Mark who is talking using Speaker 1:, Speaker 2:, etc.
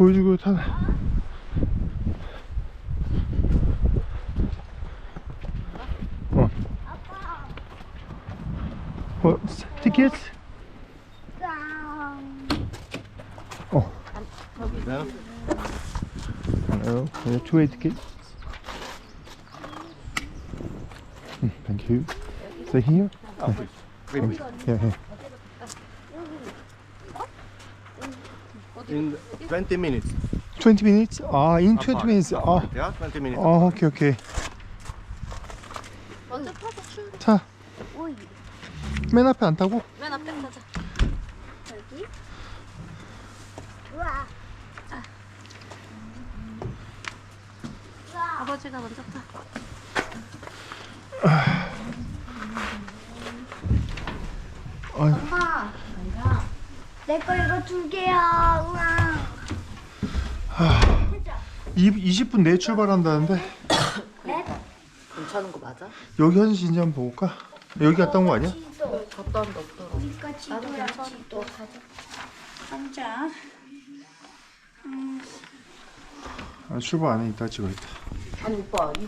Speaker 1: 보여주고 타네. 티켓?
Speaker 2: No?
Speaker 1: Hello, two-way ticket. Thank you. So here?
Speaker 2: Oh, wait, wait.
Speaker 1: Yeah, here.
Speaker 2: In 20 minutes.
Speaker 1: 20 minutes? In 20 minutes.
Speaker 2: Yeah, 20 minutes.
Speaker 1: 오케이, 오케이.
Speaker 3: 먼저 타서 출발.
Speaker 1: 차,
Speaker 3: 오이.
Speaker 1: 맨 앞에 안 타고?
Speaker 3: 맨 앞에 타자. 여기. 우와. 아버지가 먼저 타.
Speaker 4: 엄마, 내 거 이거 2개야. 우와.
Speaker 1: 20분 내에 출발한다는데
Speaker 3: 괜찮은 거 맞아?
Speaker 1: 여기 현지인지 한번 볼까? 여기 갔다 온 거 아니야?
Speaker 4: 지도.
Speaker 3: 갔다 온데 없더라.
Speaker 4: 우리가 지도야, 지도. 앉아.
Speaker 1: 출발 안에 있다 찍어야겠다.
Speaker 3: 아니 오빠